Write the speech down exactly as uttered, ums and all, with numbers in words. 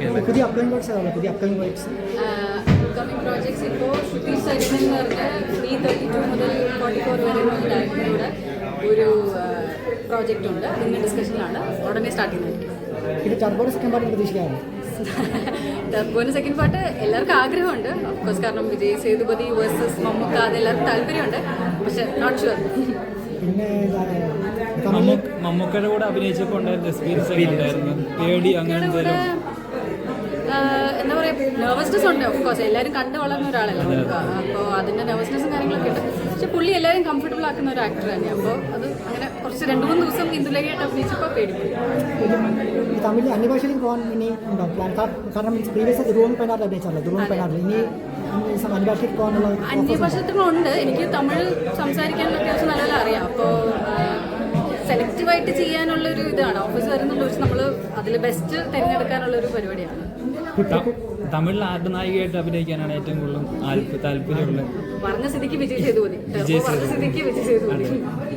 അല്ലേ? പുതിയ upcoming projects ആണ് പുതിയ അപ്കമിംഗ് പ്രോജക്ട്സ് അപ്കമിംഗ് പ്രോജക്ട്സ് ഇപ്പോൾ ഷുട്ടീസ് സൈഡിൽ എന്ന് പറഞ്ഞാൽ ത്രീ തേർട്ടി ടു മുതൽ ഫോർട്ടി ഫോർ വരെയുള്ള ഡയറക്ടറുടെ ഒരു പ്രോജക്റ്റ് ഉണ്ട്. അതിൻ്റെ ഡിസ്കഷനിലാണ്. ഉടനെ സ്റ്റാർട്ട് ചെയ്യുന്നതായിരിക്കും. പിന്നെ ടർബോയുടെ സെക്കൻഡ് പാർട്ട് പ്രതീക്ഷിക്കാറുണ്ട്. ടർബോൻ്റെ സെക്കൻഡ് പാർട്ട് എല്ലാവർക്കും ആഗ്രഹമുണ്ട്. ഓഫ്കോഴ്സ്, കാരണം വിജയ് സേതുപതി വേഴ്സസ് മമ്മൂക്ക അത് എല്ലാവർക്കും താല്പര്യമുണ്ട്. പക്ഷെ നോട്ട് ഷുവർ. പിന്നെ മമ്മൂക്കയുടെ കൂടെ അഭിനയിച്ചപ്പോൾ ഉണ്ടായിരുന്ന എക്സ്പീരിയൻസ് ഉണ്ടായിരുന്നു പേടി അങ്ങനെ എന്താ പറയുക, നെർവസ്നെസ് ഉണ്ട്. ഓഫ്കോഴ്സ് എല്ലാവരും കണ്ടു വളർന്ന ഒരാളല്ല നമുക്ക്. അപ്പോൾ അതിൻ്റെ നെർവസ്നെസ്സും കാര്യങ്ങളൊക്കെ ഉണ്ട്. പക്ഷെ പുള്ളി എല്ലാവരും കംഫർട്ടബിൾ ആക്കുന്ന ഒരു ആക്ടർ തന്നെയാണ്. അപ്പോൾ അത് അങ്ങനെ കുറച്ച് രണ്ട് മൂന്ന് ദിവസം ഇന്ദുലേഖയായിട്ട് അഭിനയിച്ചപ്പോൾ പേടിപ്പോയി. ഈ തമിഴ് അന്യഭാഷയിലേക്ക് പോകാൻ ഇനി ഉണ്ടോ പ്ലാൻ? കാരണം പ്രീവിയസ് ദുരൂഹം പതിനാറിൽ അഭിനയിച്ചല്ലോ. ദുരൂഹം പതിനാറിൽ ഇനി അന്യഭാഷയിലേക്ക് പോകാനുള്ള അന്യഭാഷകളുണ്ട്. എനിക്ക് തമിഴ് സംസാരിക്കാനുള്ള അത്യാവശ്യം നല്ലപോലെ അറിയാം. അപ്പോൾ സെലക്റ്റീവായിട്ട് ചെയ്യാനുള്ളൊരു ഇതാണ്. ഓഫീസ് വരുന്നുള്ള വെച്ച് നമ്മൾ അതിൽ ബെസ്റ്റ് തിരഞ്ഞെടുക്കാനുള്ളൊരു പരിപാടിയാണ്. തമിഴിൽ ആരുടെ നായികയായിട്ട് അഭിനയിക്കാനാണ് ഏറ്റവും കൂടുതൽ താല്പര്യമുള്ളത്? പറഞ്ഞ സ്ഥിതിക്ക് വിജയ് സേതുപതി. പറഞ്ഞ സ്ഥിതിക്ക് വിജയ് സേതുപതി.